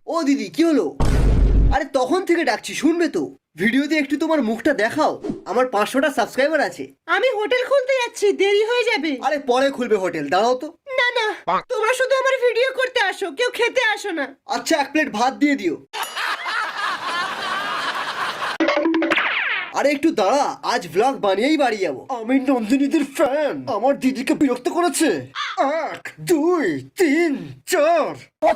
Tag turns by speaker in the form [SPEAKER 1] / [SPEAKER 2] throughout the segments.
[SPEAKER 1] ও দিদি কি হলো? আরে তখন থেকে ডাকছি, শুনবে তো? ভিডিওতে একটু তোমার মুখটা দেখাও, আমার 500টা সাবস্ক্রাইবার আছে।
[SPEAKER 2] আমি হোটেল খুলতে যাচ্ছি, দেরি হয়ে যাবে।
[SPEAKER 1] আরে পরে খুলবে হোটেল, দাঁড়াও তো।
[SPEAKER 2] না না, তোমরা শুধু আমার ভিডিও করতে আসো, কেউ খেতে আসো না।
[SPEAKER 1] আচ্ছা 1 প্লেট ভাত দিয়ে দিও। আরে একটু দাঁড়া, আজ ব্লগ বানিয়েই বাড়ি যাবো। আমি নন্দিনীদের ফ্যান, আমার দিদিকে বিরক্ত করেছে। 1 2 3 4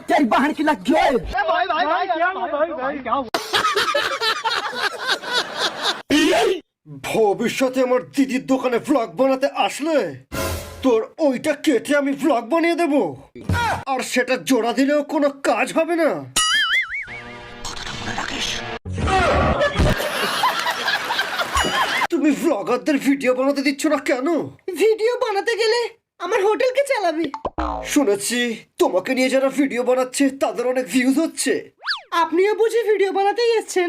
[SPEAKER 1] ভবিষ্যতে আমার দিদির দোকানে ভ্লগ বানাতে আসলে তোর ওইটা কেটে আমি ভ্লগ বানিয়ে দেব, আর সেটা জোড়া দিলেও কোনো কাজ হবে না। তুমি ভ্লগারদের ভিডিও বানাতে দিচ্ছ না কেন?
[SPEAKER 2] ভিডিও বানাতে গেলে আমার হোটেলকে চালাবে।
[SPEAKER 1] শুনেছি তোমাকে নিয়ে যারা ভিডিও বানাচ্ছে তাদের অনেক ভিউজ হচ্ছে।
[SPEAKER 2] আপনিও বুঝি ভিডিও বানাতেই এসেছেন?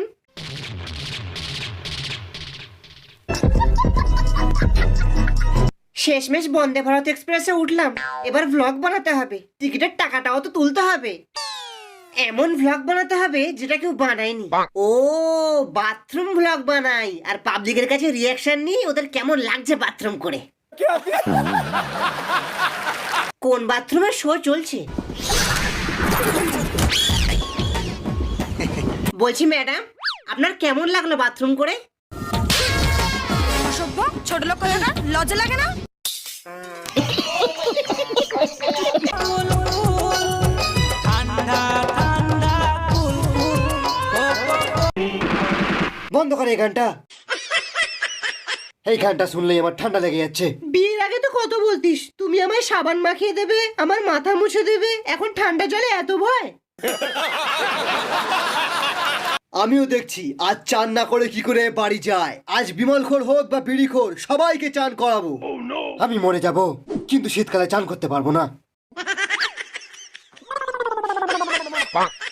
[SPEAKER 2] শেষমেশ বন্দে ভারত এক্সপ্রেসে উঠলাম, এবার ভ্লগ বানাতে হবে, টিকিটের টাকাটাও তো তুলতে হবে। এমন ভ্লগ বানাতে হবে যেটা কেউ বানায়নি। ও বাথরুম ভ্লগ বানাই, আর পাবলিকের কাছে রিয়াকশন নিই ওদের কেমন লাগছে বাথরুম করে। কোন বাথরুমের শো চলছে? বলছি ম্যাডাম, আপনার কেমন লাগলো বাথরুম করে?
[SPEAKER 3] অসভ্য ছোট লোক কথা, লজ্জা লাগে না?
[SPEAKER 1] বন্ধ করে এই গানটা, এই গানটা শুনলেই আমার ঠান্ডা লেগে যাচ্ছে।
[SPEAKER 2] বিয়ের আগে তো কত বলতিস তুমি আমায় সাবান মাখিয়ে দেবে, আমার মাথা মুছে দেবে, এখন ঠান্ডা জলে এত ভয়।
[SPEAKER 1] আমিও দেখছি আজ চান না করে কি করে বাড়ি যায়। আজ বিমলখোর হোক বা বিড়িখোর, সবাইকে চান করাবো। আমি মরে যাব, কিন্তু শীতকালে চান করতে পারবো না।